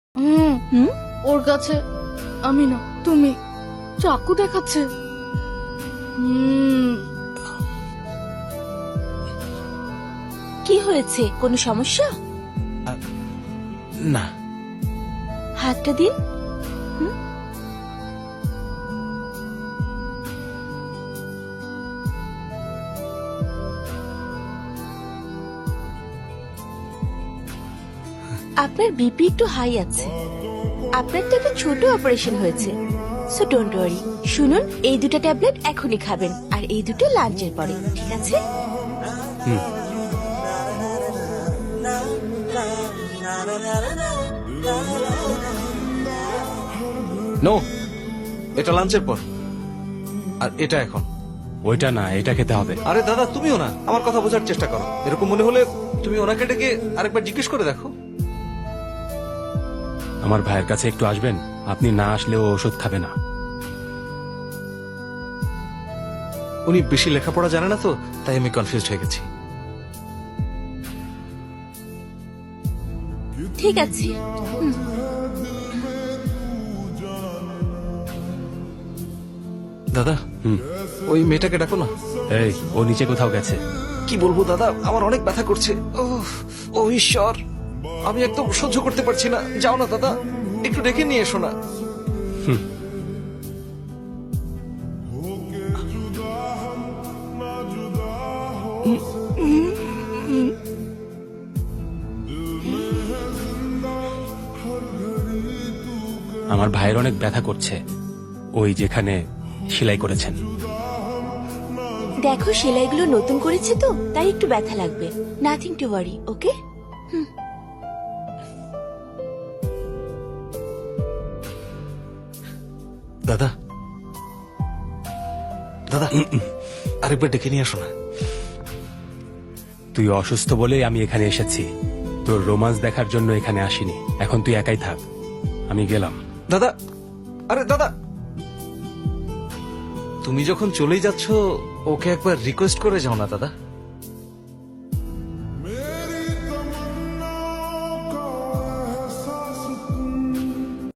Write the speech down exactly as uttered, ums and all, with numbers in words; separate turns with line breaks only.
হুম
হুম
ওর কাছে আমি না তুমি চাকু দেখাচ্ছে। হুম
কি হয়েছে, কোনো সমস্যা?
না।
হাতটা দিন। হুম আপনার বিপি একটু হাই আছে। আপনার তো একটা ছোট অপারেশন হয়েছে, সো ডোন্ট ওয়ারি। শুনুন, এই দুটো ট্যাবলেট এখনই খাবেন, আর এই দুটো লাঞ্চের পরে, ঠিক আছে?
নো, এটা লাঞ্চের পর, আর এটা এখন।
ওইটা না, এটা খেতে হবে।
আরে দাদা, তুমিও না আমার কথা বোঝার চেষ্টা করো। এরকম মনে হলে তুমি ওনাকে ডেকে আরেকবার জিজ্ঞেস করে দেখো।
আমার ভাইয়ের কাছে একটু আসবেন? আপনি না আসলেও ওষুধ খাবে না।
উনি বেশি লেখাপড়া জানে না তো, তাই আমি কনফিউজড হয়ে গেছি।
ঠিক আছে।
দাদা,
হুম
ওই মেয়েটাকে ডাকো না।
এই, ও নিচে কোথাও গেছে।
কি বলবো দাদা, আমার অনেক ব্যথা করছে। ওহ, ও ঈশ্বর, আমি একদম সহ্য করতে পারছি না। যাও না দাদা, একটু ডেকে নিয়ে এসো না।
আমার ভাইয়ের অনেক ব্যথা করছে, ওই যেখানে সেলাই করেছেন।
দেখো, সেলাইগুলো নতুন করেছে তো, তাই একটু ব্যথা লাগবে। Nothing to worry, okay?
দাদা, দাদা, আরেকবার ডেকে নিয়ে আসো না।
তুই অসুস্থ বলেই আমি এখানে এসেছি, তোর রোমান্স দেখার জন্য এখানে আসিনি। এখন তুই একাই থাক, আমি গেলাম।
দাদা, আরে দাদা, তুমি যখন চলেই যাচ্ছ ওকে একবার রিকোয়েস্ট করে যাও না দাদা।